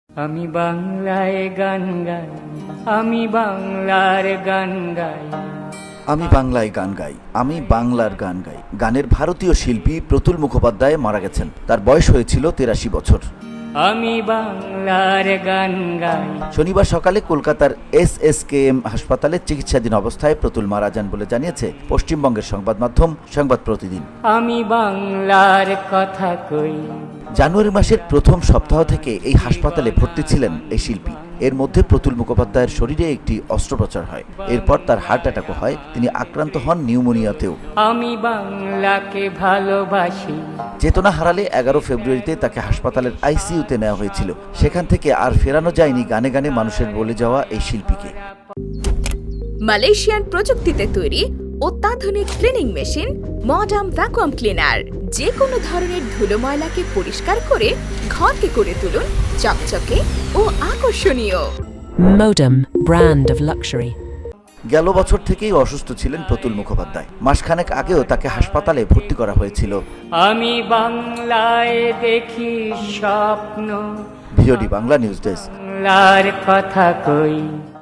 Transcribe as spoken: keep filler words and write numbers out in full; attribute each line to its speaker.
Speaker 1: আমি বাংলায় গান গাই, আমি বাংলার গান গাই।
Speaker 2: আমি বাংলায় গান গাই, আমি বাংলার গান গাই। গানের ভারতীয় শিল্পী প্রতুল মুখোপাধ্যায় মারা গেছেন। তার বয়স হয়েছিল তেরাশি বছর।
Speaker 1: আমি বাংলার গান গাই।
Speaker 2: শনিবার সকালে কলকাতার এস এস কে এম হাসপাতালে চিকিৎসাধীন অবস্থায় প্রতুল মারা যান বলে জানিয়েছে পশ্চিমবঙ্গের সংবাদ মাধ্যম সংবাদ প্রতিদিন।
Speaker 1: আমি বাংলার কথা কই।
Speaker 2: জানুয়ারি মাসের প্রথম সপ্তাহ থেকে এই হাসপাতালে ভর্তি ছিলেন এই শিল্পী। এর মধ্যে প্রতুল মুখোপাধ্যায়ের শরীরে একটি অস্ত্রোপচার হয়। এরপর তার হার্ট অ্যাটাকও হয়। তিনি আক্রান্ত হন নিউমোনিয়াতেও।
Speaker 1: আমি বাংলাকে ভালোবাসি।
Speaker 2: চেতনা হারালে এগারো ফেব্রুয়ারিতে তাকে হাসপাতালের আইসিইউতে নেওয়া হয়েছিল। সেখান থেকে আর ফেরানো যায়নি গানে গানে মানুষের বলে যাওয়া এই শিল্পীকে।
Speaker 3: মালয়েশিয়ান প্রযুক্তিতে তৈরি অত্যাধুনিক cleaning machine modern vacuum cleaner যে কোনো ধরনের ধুলো ময়লাকে পরিষ্কার করে ঘরকে করে তুলুন চকচকে ও আকর্ষণীয়।
Speaker 4: Modem, brand of luxury.
Speaker 2: গেল বছর থেকেই অসুস্থ ছিলেন প্রতুল মুখোপাধ্যায়। মাসখানেক আগেও তাকে হাসপাতালে ভর্তি করা হয়েছিল।
Speaker 1: আমি বাংলায় দেখি স্বপ্ন,
Speaker 2: ভিওডি বাংলা নিউজ ডেস্ক।
Speaker 1: বাংলার কথা কই।